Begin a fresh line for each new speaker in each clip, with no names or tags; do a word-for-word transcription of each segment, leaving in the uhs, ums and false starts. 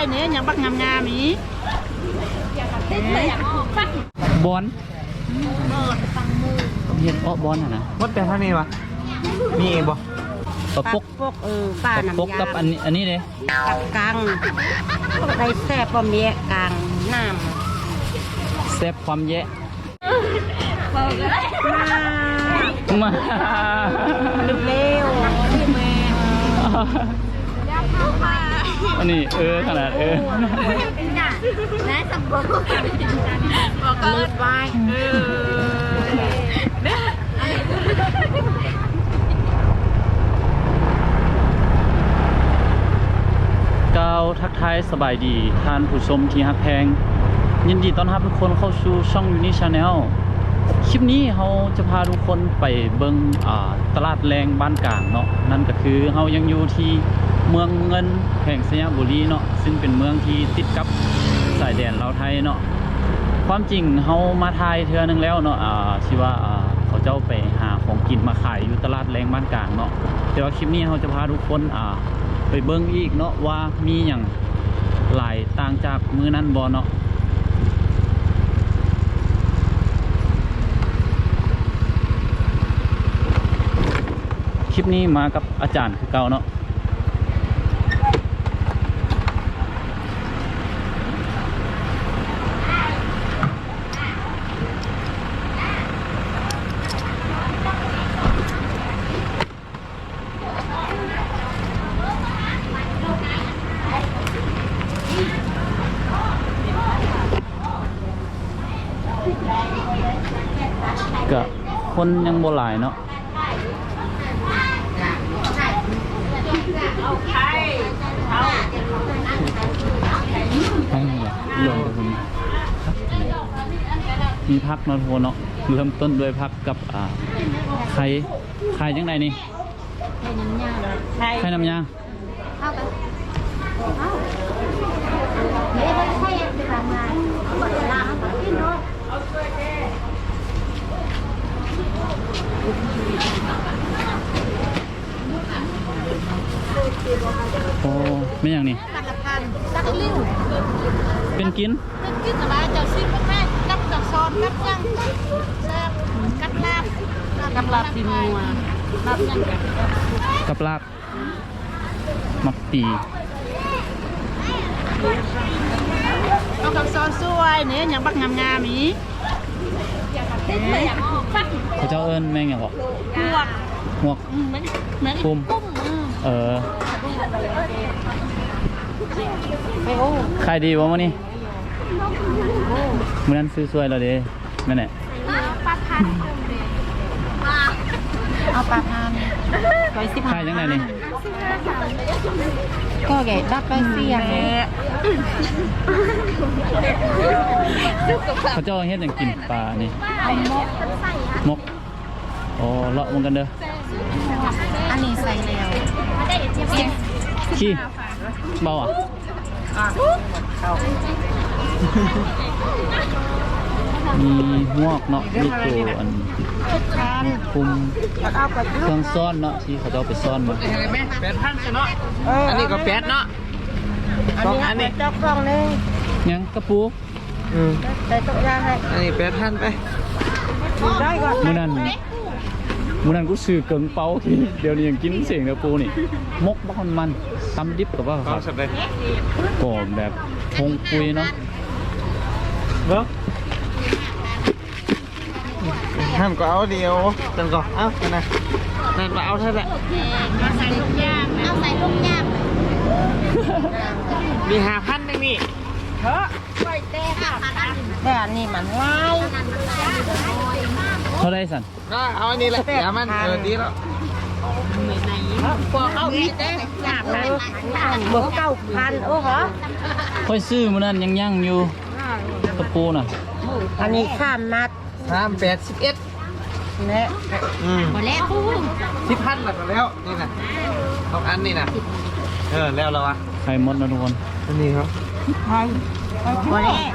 เนี่ยยังบักงามงามอี
บอลเห็ดอ้อบอลนะ
มดเป็นเท่านี้วะมีเองบ่
ปลาปก
ปกเออป้าน้ำยา
ปกกับอันนี้อันนี้เลย
กับกลางได้แซ่บปะเมียกลางน้
ำแซ่บความแย่มา
เร็วพี่แม่
อันนี้เออขนาดเออ
และสมบูรณ์บอกเลิศไว้
ก้าวทักทายสบายดีท่านผู้ชมที่ฮักแพงยินดีต้อนรับทุกคนเข้าสู่ช่องยูนิชาแนลคลิปนี้เราจะพาทุกคนไปเบิ่งตลาดแรงบ้านกลางเนาะนั่นก็คือเรายังอยู่ที่เมืองเงินแห่งสยามบุรีเนาะซึ่งเป็นเมืองที่ติดกับสายแดนลาวไทยเนาะความจริงเรามาไทยเทื่อนึงแล้วเนาะอ่าที่ว่าเขาเจ้าไปหาของกินมาขายอยู่ตลาดแรงบ้านกลางเนาะแต่ว่าคลิปนี้เราจะพาทุกคนอ่าไปเบิ่งอีกเนาะว่ามีอย่างหลายต่างจากมื้อนั้นบ่เนาะคลิปนี้มากับอาจารย์คือเก่าเนาะก็คนยังบ่หลายเนาะรวมกันมีพักเนาะทุกคนเนาะเริ่มต้นด้วยพักกับอ่าไข่ไข่ยังไงนี่ไข่น้ำยาเข้าไปไม่ได้ไข่ไปทำงานล้างมากินเนาะโอ้ไม่อย่างนี้เป็นกินเป็นกินอะไรจะซิมแม่กับกับซอนกับยังแซ่บกับลาบกับลาบตีนัวลาบยังกับกับลาบมักตีเอากับซอนสวยเนี่ยยังบักงามงามอีเขาเจ้าเอิญแม่งอย่างหรอหวกหวกปุ่มเออขายดีวะมื้อนี้มื้อนั้นซื้อสวยเราเด้แม่นแหละปลาพันเอาปลาพันร้อยสิบขายยังไงนี่ก็แก่ดับไปเสียงเขาเจ้าเฮ็ดอย่างกินปลานี่มกโอ้เลาะมันกันเด้ออันนี้ใส่แล้วขี้เบาอ่ะมีหวกเนาะมีตัวอันคุมเครื่องซ่อนเนาะที่เขาจะเอาไปซ่อนมา
แปดพันเนาะอันนี้ก็แปดเนาะสองอันนี้
จับกล้องนึง
ยังกระปู
อืม
ใส่ตุ๊กยาให้
อันนี้แปดพันไป
ได้ก่อน
มื้อนั้นมื้อนั้นกูซื้อเกิงเปาที่เดี๋ยวนี้ยังกินเสียงกระปูนี่มกบ้านมันตำดิบกับว่าครับก็แบบพงปุยเนาะ
เนาะท่านก็เอาเดียวจังก็เอาไปนะนั่นมาเอาเท่าไหร่
เอาใส่ลูกย่างเอาใส่ลูกย่าง
มีห้าพันนึงนี่
เฮ้อไปเต้ค่ะแต่อันนี้มันง่าย
เท่าไรสัน
ก็เอาอันนี้แหละอย่ามันเออดีแล้ว
พอเข้าอีกเต้ห้าพันบวกเก้าพันโอ้โห
ค่อยซื้อมื้อนั้นยังยั่งอยู่กระปูน่ะ
อันนี้ข้ามนัด
สามแปดสิบเอ็ด
เนี่ยหมดแล้ว
สิบพันหลักแล้วนี่นะสองอันนี่นะเออแล้วเราอะ
ไข่มดนะทุกคน
อันนี้ครับ
ไข่หมดแล้ว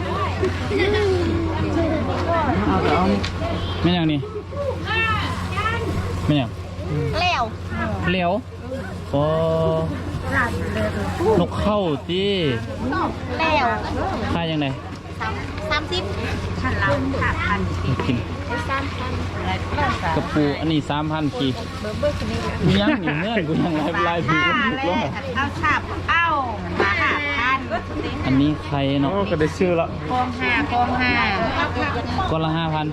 ไม่อย่างนี้ไม่อย่าง
เลี้ยว
เลี้ยวโอ้นกเข้าตี
แล้ว
ค่ายยังไง
สามสิบพันละห้าพัน
กิน
สามพัน
กระปูอันนี้สามพันกีกูยังอยู่เงื่อนกูยังไล่ไล่ดูถูกแล้ว
เอาสาบเอามาห้าพัน
อันนี้ใครเนาะ
ก็ได้ชื่อละ
กองห้ากองห้า
ก้อนละห้าพัน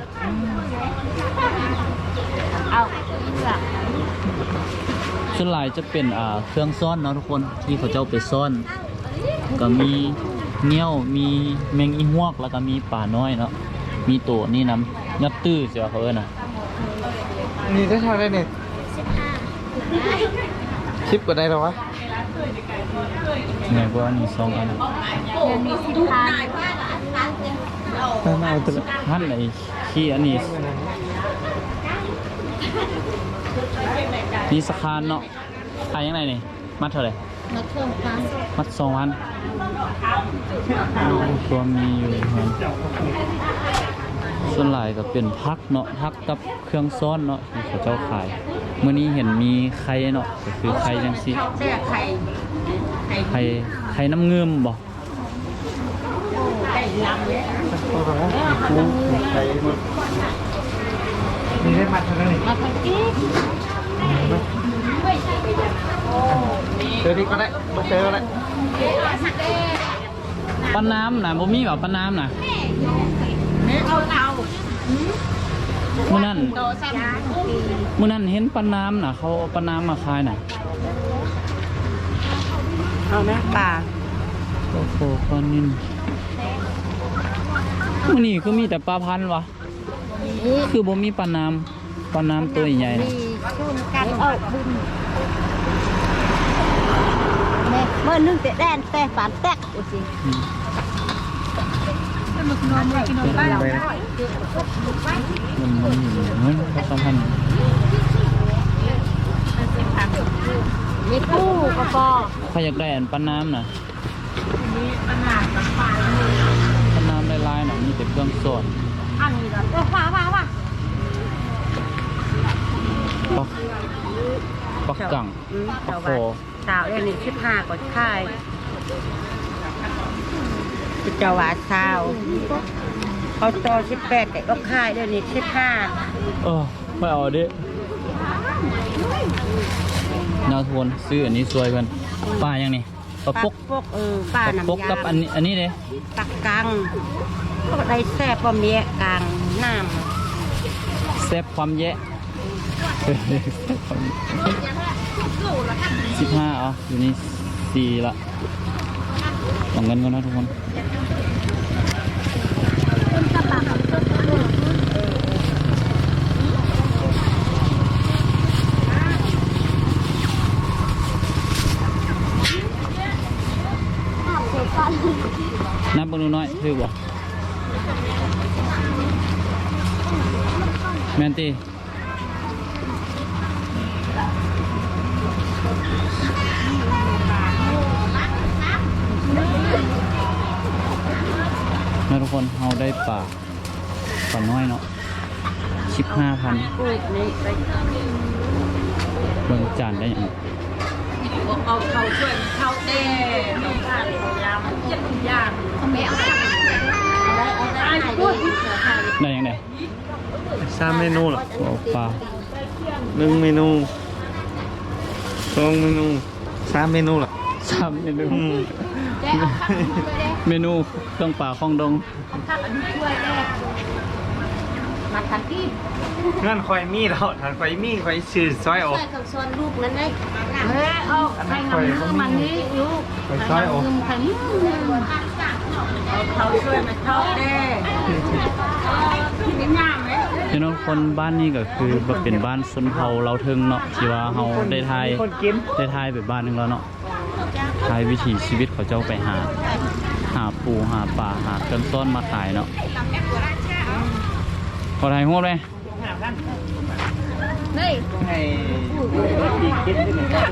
เอาเลือก
ส่วนหลายจะเป็นอ่าเครื่องซ่อนเนาะทุกคนที่เขาเจ้าไปซ่อน ก็มีเงี้ยวมีแมงอีฮวกแล้วก็มีป่าน้อยเนาะมีตัวนี่น้ำยัดตื้อเสียเขาเอิ้นน่ะ
นี่ได้เท่าไรเนี่ยชิปก็ได้แล้ววะ
ไงกว่านี่สองอัน
เดือนนี้สิบพัน
น่าเอาตัวละ
ท่านไอ้ขี้อันนี้นี่สะคานเนาะขายยังไงนี่มัดเท่าไหร่
มาเพิ่มพัน
มัดสองพันตัวมีอยู่ครับส่วนหลายก็เป็นพักเนาะพักกับเครื่องซ้อนเนาะที่เขาเจ้าขายเมื่อนี้เห็นมีไข่เนาะก็คือไข่จังซี่
เสื้อไข่ไข่
ไข่ไข่น้ำเงิมบ่
ไก่ลำเลย
ตัวละใส่หมดนี่ได้มัดเท่านั้นนี่
มาพันอีก
เจอที่ก็ได้มาเจอก็ได้
ปลาน้ำน่ะบ่มีแบบปลาน้ำน่ะ
เอาเตา
มื้อนั้น
โตซ้ำ
มื้อนั้นเห็นปลาน้ำน่ะเขาเอาปลาน้ำมาขายน่ะ
เอาไหมป่า
โอ้โหปลานิ่มมื้อนี้คือมีแต่ปลาพันธุ์วะคือบ่มีปลาน้ำปลาน้ำตัวใหญ่ๆน่ะ
ชุนกันเอาบุญเมื่อนึงแต่แดนแต่ฝันแตกโอ้สิ
อืม
ไปนะ
มันมันอยู่เงินสองพัน
มีปูกระปอ
ใครอยากได้อันปลาน้ำน่ะปลาน้ำลายๆน่ะมีแต่เครื่องสด
อันนี้เหรอเออว่าว่าว่า
ปักปักกังปักโค
สาวเอ็นี่สิบห้าก็ค่ายเจ้าว่าสาวเขาโตสิบแปดแต่ก็ค่ายเดี๋ยวนี้สิบห้า
เออไม่เอาดินาทวนซื้ออันนี้สวยเพื่อนปลายังนี่ปลาปก
ปกเออป้า
ปลา
น้ำ
ปก
ยา
กับอันนี้อันนี้เลย
ปักกังก็ได้แซ่บบ่เมียกลางน้
แซ่บความแยะสิบห้าเอาอยู่นี่สี่ละลองเงินกันนะทุกคนนับเบิ่งดูหน่อยถือบ่แมนตีนะทุกคนเราได้ป่าป่าน้อยเนาะสิบห้าพัน
ำปูนี่ไป
เบิ่งจานได้ยัง
เอาเขาช่วยเขาเต้เขาขาดเขายาวมันเจ็บยากเขาไม่เอาได้เอาได้ไหนดีเสือไทย
ได้ยังไง
สามเมนูเหรอ
โอ้ปลา
หนึ่งเมนูสองเมนูสามเมนูเหรอ
สามเมนู
อืม
ได้เอาข้าวช่วยได้
เมนูเครื่องป่าของดง
ข้าวอันนี้ช่วยได้มาทันที่
งั้นคอยมีแล้วถ้าคอยมีคอยชื่อซอยออก
ช่วยเขาชวนลูกนั้นได้เฮ้ยเอาใครงำมือมันนี่ลูก
คอยซอยออก
ใครมือเอาเขาช่วยมาชอบได้ที่นี่งามไหม
พี่น้องคนบ้านนี้ก็คือแบบเป็นบ้านชนเผ่าเราเทิงเนาะที่ว่าเฮาได้ทาย
คนกิน
ได้ทายไปบ้านหนึงแล้วเนาะทายวิถีชีวิตเขาเจ้าไปหา หาปูหาปลาหาเครื่องต้นมาขายเนาะขอถ่ายรูปเลย
นี่
ให้ปีกินด้วยนะ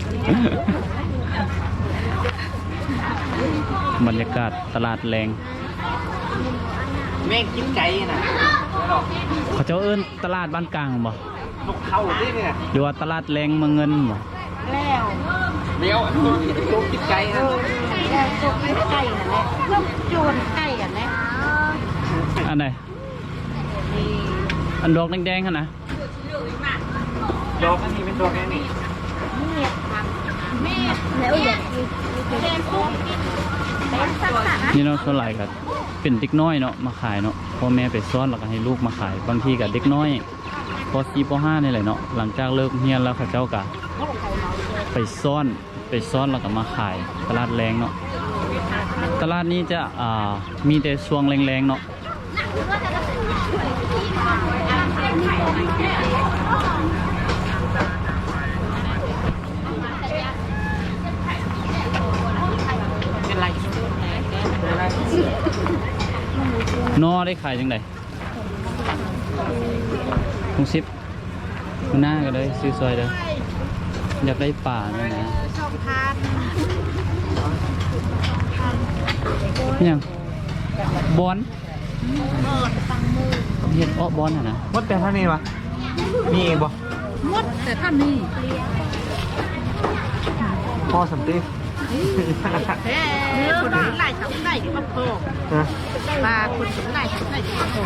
บรรยากาศตลาดแรง
แม่งกินไก่น่ะ
เขาเจ้าเอิ้นตลาดบ้านกลางบ่
นกเข้าดิเนี่ย
หรือว่าตลาดแรงเมืองเงินบ่
แล้ว
เดี๋ยวลูกกินไก่นะ
จกไม่ไก่อ่ะแหละลูกโจรไก่อ่ะแหละ
อันไหนอันดอกแดงๆขนาด
ดอกอันนี้เป็นดอกแค่นี้
แม่แล้วอยากแกงกุ้งเป็นสักสัก
นี่เนาะส่วนหลายก็เป็นเด็กน้อยเนาะมาขายเนาะพ่อแม่ไปซ้อนแล้วก็ให้ลูกมาขายบางทีกับเด็กน้อยป .สี่ ป .ห้า นี่แหละเนาะหลังจากเลิกเรียนแล้วเขาเจ้าก็ไปซ้อนไปซ้อนแล้วก็มาขายตลาดแรงเนาะตลาดนี้จะอ่ามีแต่ช่วงแรงๆเนาะนอได้ขายจังไดคงซิปมันหน้าก็เลยซื้อซอยเด้ออยากได้ป่าเนี่ยนะ
ช่องทาน
นี่ยังบอน
เปิดฟังมือ
เห็ดอ้อบอนอะนะ
มดแต่ท่านี้วะมีเองบ่
มดแต่ท่านนี่
พ่อสัมติ
แฮ่คนถึงไหนทำไหนที่มาโผล่
ฮะ
ปลาคนถึงไหนทำไหนที่มาโผล่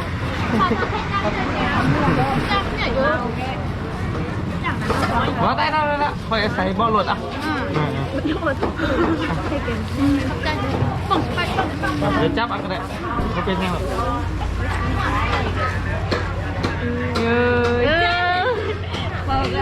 จับเนี่ยอยู่อย่างนั้นน้อย
ว่าได้ได้ได้ละคอยใส่บ่อรถอ่ะ
มันโยนให้กันใจส่งไป
เดี๋ยวจับเอันก็ได้เขาเป็นยังไงเย้ย
บอกเลย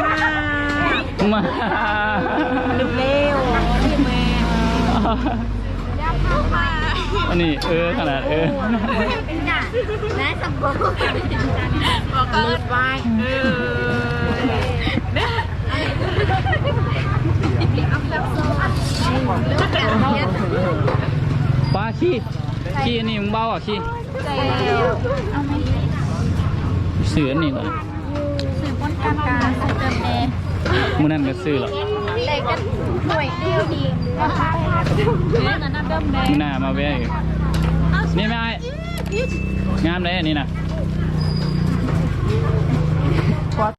มา
เร็วพี่แม่ยับเข้ามา
อันนี้เออขนาดเออ
เป็นหน้าและสมบูรณ์บอกเลิศไว้เออเนี่ยเอาแบบโซ่
ปลาขี้ขี้อันนี้มึงเบาอ่ะขี้
ใจเอาไม่
เสืออันนี้ก่อน
สื่อบนการการสื่อเติมแม่
มึงนั่นก็ซื้อหรอก
เด็กกันหน่วยเดียวดีนะคะเนี่ยนั่นเดิมแม่
มึงหน้ามาแวะอีกนี่ไม่ไอ้งามเลยอันนี้นะ